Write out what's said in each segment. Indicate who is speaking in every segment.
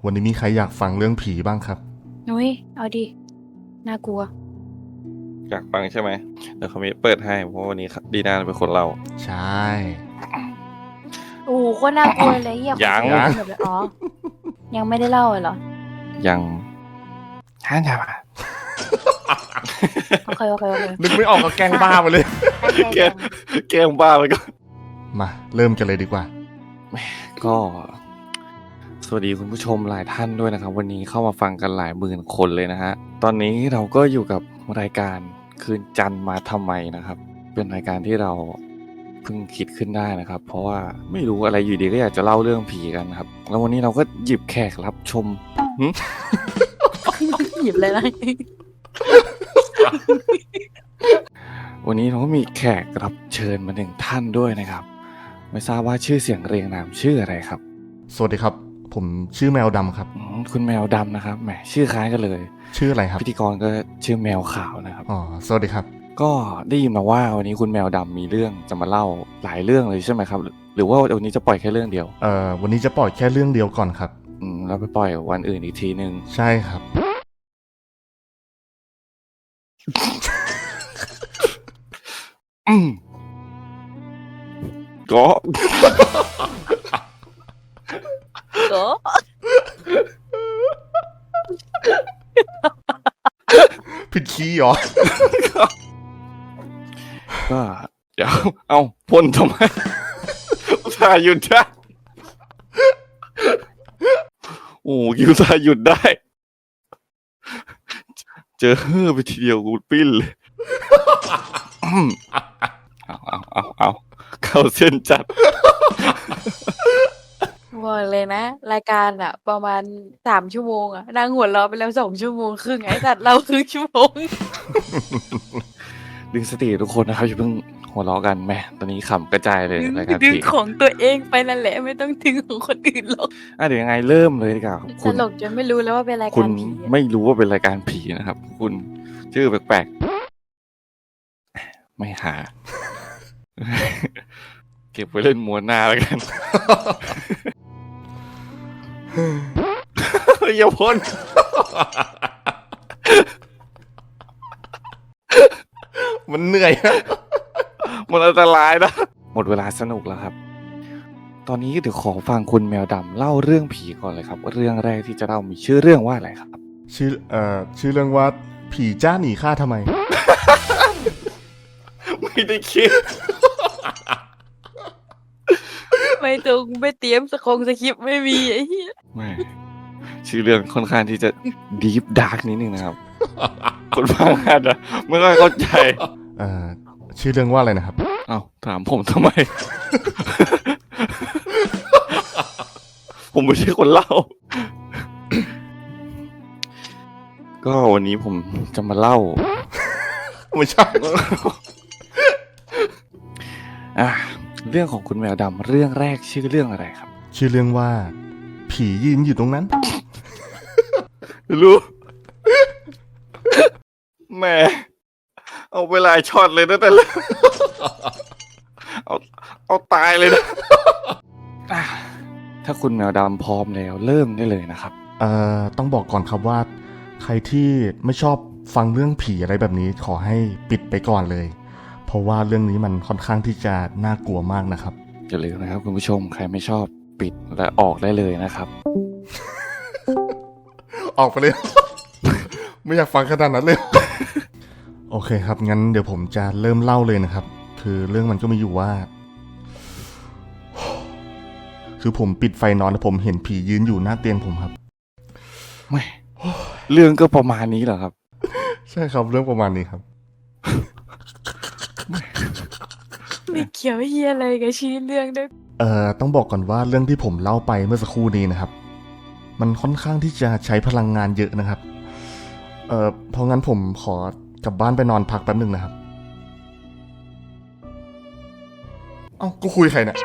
Speaker 1: วันนี้มีใครอยากฟังเรื่องผีบ้างครับ
Speaker 2: นุ้ยเอาดิน่ากลัว
Speaker 3: อยากฟังใช่ไหมเดี๋ยวเขามีเปิดให้เพราะวันนี้ดีน่าเป็นคนเล่า
Speaker 1: ใช่
Speaker 2: โอ้โหโคตรน่ากลัวเลยเหี้ย
Speaker 3: ยัง
Speaker 2: แบบอ๋อยังไม่ได้เล่าเหรอ
Speaker 3: ยังท่านจะมา
Speaker 2: โอเค
Speaker 1: นึกไม่ออกก็แกล้งบ้าไปเลย
Speaker 3: แกล้งบ้าไปก็
Speaker 1: มาเริ่มกันเลยดีกว่า
Speaker 3: ก็สวัสดีคุณผู้ชมหลายท่านด้วยนะครับวันนี้เข้ามาฟังกันหลายหมื่นคนเลยนะฮะตอนนี้เราก็อยู่กับรายการคืนจันทร์มาทำไมนะครับเป็นรายการที่เราเพิ่งคิดขึ้นได้นะครับเพราะว่าไม่รู้อะไรอยู่ดีก็อยากจะเล่าเรื่องผีกันครับแล้ววันนี้เราก็หยิบแขกรับชม
Speaker 2: หยิบเลยนะ
Speaker 3: วันนี้เราก็มีแขกรับเชิญมาหนึ่งท่านด้วยนะครับไม่ทราบว่าชื่อเสียงเรียงนามชื่ออะไรครับ
Speaker 1: สวัสดีครับผมชื่อแมวดำครับ
Speaker 3: คุณแมวดำนะครับแหมชื่อคล้ายกันเลย
Speaker 1: ชื่ออะไรครับ
Speaker 3: พิธีกรก็ชื่อแมวขาวนะครับ
Speaker 1: อ๋อสวัสดีครับ
Speaker 3: ก็ได้ยินมาว่าวันนี้คุณแมวดำมีเรื่องจะมาเล่าหลายเรื่องเลยใช่ไหมครับหรือว่าวันนี้จะปล่อยแค่เรื่องเดียว
Speaker 1: วันนี้จะปล่อยแค่เรื่องเดียวก่อนครับ
Speaker 3: แล้วไปปล่อยวันอื่นอีกทีนึง
Speaker 1: ใช่ครับ
Speaker 3: ก็
Speaker 1: ผิดคีย์เหรอ
Speaker 3: ก็เดี๋ยวเอาพ่นทำไมถ่ายหยุดได้โอ้คิวถ่ายหยุดได้เจอไปทีเดียวกูปิ้นเลยเอาเข้าเส้นจัด
Speaker 2: บอกเลยนะรายการอ่ะประมาณ3 ชั่วโมงอ่ะนั่งหัวเราะไปแล้ว2 ชั่วโมงครึ่งไอ้สัตว์เราครึ่งชั่วโมง
Speaker 3: ดึงสติทุกคนนะครับอย่าเพิ่งหัวเราะกันแม่ตอนนี้ขำกระจายเลยรายการ
Speaker 2: ดึงของตัวเองไปนั่นแหละไม่ต้องดึงของคนอื่นหรอก
Speaker 3: เดี๋ยวยังไงเริ่มเลยดีกว่า
Speaker 2: ตลกจนไม่รู้แล้วว่าเป็นรายการผี
Speaker 3: คุณไม่รู้ว่าเป็นรายการผีนะครับคุณชื่อแปลกๆไม่หาเก็บไว้เล่นม้วนหน้าแล้วกันอย่าพ่น
Speaker 1: มันเหนื่อย
Speaker 3: มันอันตรายนะหมดเวลาสนุกแล้วครับตอนนี้เดี๋ยวขอฟังคุณแมวดำเล่าเรื่องผีก่อนเลยครับเรื่องแรกที่จะเล่ามีชื่อเรื่องว่าอะไรครับ
Speaker 1: ชื่อเรื่องว่าผีจ้าหนีข้าทำไม
Speaker 3: ไม่ได้คิด
Speaker 2: ไม่ตรงไม่เตรียมสคริปต์ไม่มีไอ้เหี้ย
Speaker 3: ไม่ชื่อเรื่องค่อนข้างที่จะดีฟดาร์กนิดนึงนะครับคนฟังอาจจะไม่ค่อยเข้าใจ
Speaker 1: ชื่อเรื่องว่าอะไรนะครับ
Speaker 3: อ้าวถามผมทำไม ผมไม่ใช่คนเล่า ก็วันนี้ผมจะมาเล่า
Speaker 1: ไม่ใช่
Speaker 3: เรื่องของคุณแมวดำเรื่องแรกชื่อเรื่องอะไรครับ
Speaker 1: ชื่อเรื่องว่าผียืนอยู่ตรงนั้น
Speaker 3: รู้แม่เอาเวลาช็อตเลยนะแต่ละเอาตายเลยนะถ้าคุณแมวดำพร้อมแล้วเริ่มได้เลยนะครับ
Speaker 1: ต้องบอกก่อนครับว่าใครที่ไม่ชอบฟังเรื่องผีอะไรแบบนี้ขอให้ปิดไปก่อนเลยเพราะว่าเรื่องนี้มันค่อนข้างที่จะน่ากลัวมากนะครับ
Speaker 3: อย่าลืมนะครับคุณผู้ชมใครไม่ชอบปิดและออกได้เลยนะครับ
Speaker 1: ออกไปเลย ไม่อยากฟังขนาดนั้นเลย โอเคครับงั้นเดี๋ยวผมจะเริ่มเล่าเลยนะครับคือเรื่องมันก็มีอยู่ว่าคือผมปิดไฟนอนแล้วผมเห็นผียืนอยู่หน้าเตียงผมครับ
Speaker 3: ไม่เรื่องก็ประมาณนี้เหรอครับ
Speaker 1: ใช่ครับเรื่องประมาณนี้ครับ
Speaker 2: ไม่เกี่ยวเฮียอะไรกับชื่อเรื่องด้วย
Speaker 1: ต้องบอกก่อนว่าเรื่องที่ผมเล่าไปเมื่อสักครู่นี้นะครับมันค่อนข้างที่จะใช้พลังงานเยอะนะครับเพราะงั้นผมขอกลับบ้านไปนอนพักแป๊บนึงนะครับเอ้ากูคุยใครเนี่ย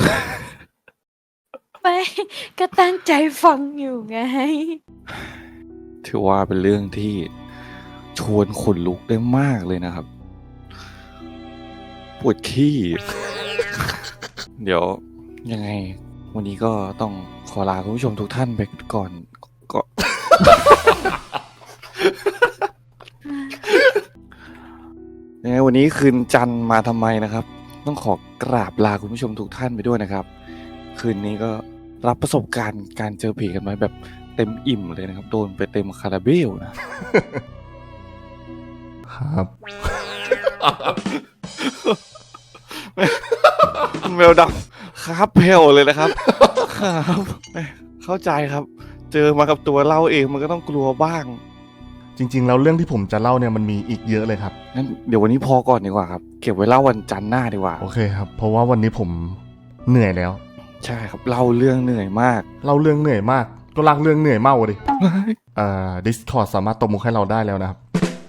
Speaker 2: ไม่ก็ตั้งใจฟังอยู่ไง
Speaker 3: ถือว่าเป็นเรื่องที่ชวนขนลุกได้มากเลยนะครับปวดขี้เดี๋ยวยังไงวันนี้ก็ต้องขอลาคุณผู้ชมทุกท่านไปก่อนก็ ยังไงวันนี้คืนจันทร์มาทำไมนะครับ ต้องขอกราบลาคุณผู้ชมทุกท่านไปด้วยนะครับ คืนนี้ก็รับประสบการณ์การเจอผีกันไว้แบบเต็มอิ่มเลยนะครับ โดนไปเต็มคาราเบลนะ
Speaker 1: ครับ
Speaker 3: แมวดำครับเพลเลยนะครับ ครับเข้าใจครับ เจอมากับตัวเล่าเองมันก็ต้องกลัวบ้าง
Speaker 1: จริงๆแล้วเรื่องที่ผมจะเล่าเนี่ยมันมีอีกเยอะเลยครับ
Speaker 3: งั้นเดี๋ยววันนี้พอก่อนดีกว่าครับ เก็บไว้เล่าวันจันทร์หน้าดีกว่า
Speaker 1: โอเคครับ เพราะว่าวันนี้ผมเหนื่อยแล้ว
Speaker 3: ใช่ครับเล่าเรื่องเหนื่อยมาก
Speaker 1: เล่าเรื่องเหนื่อยมาก ก็ลากเรื่องเหนื่อยเมาดิ Discord สามารถตบมุกให้เราได้แล้วนะครับ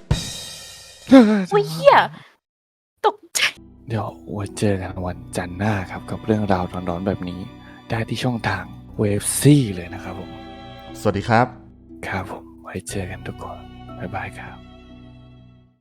Speaker 2: อุ้ยเหี้ยตกใจ
Speaker 3: เดี๋ยวไว้เจอกันวันจันทร์หน้าครับ กับเรื่องราวร้อนๆแบบนี้ ได้ที่ช่องทางเวฟซี่เลยนะครับผม
Speaker 1: สวัสดีครับ
Speaker 3: ครับผมไว้เจอกันทุกคนบ๊ายบายครับ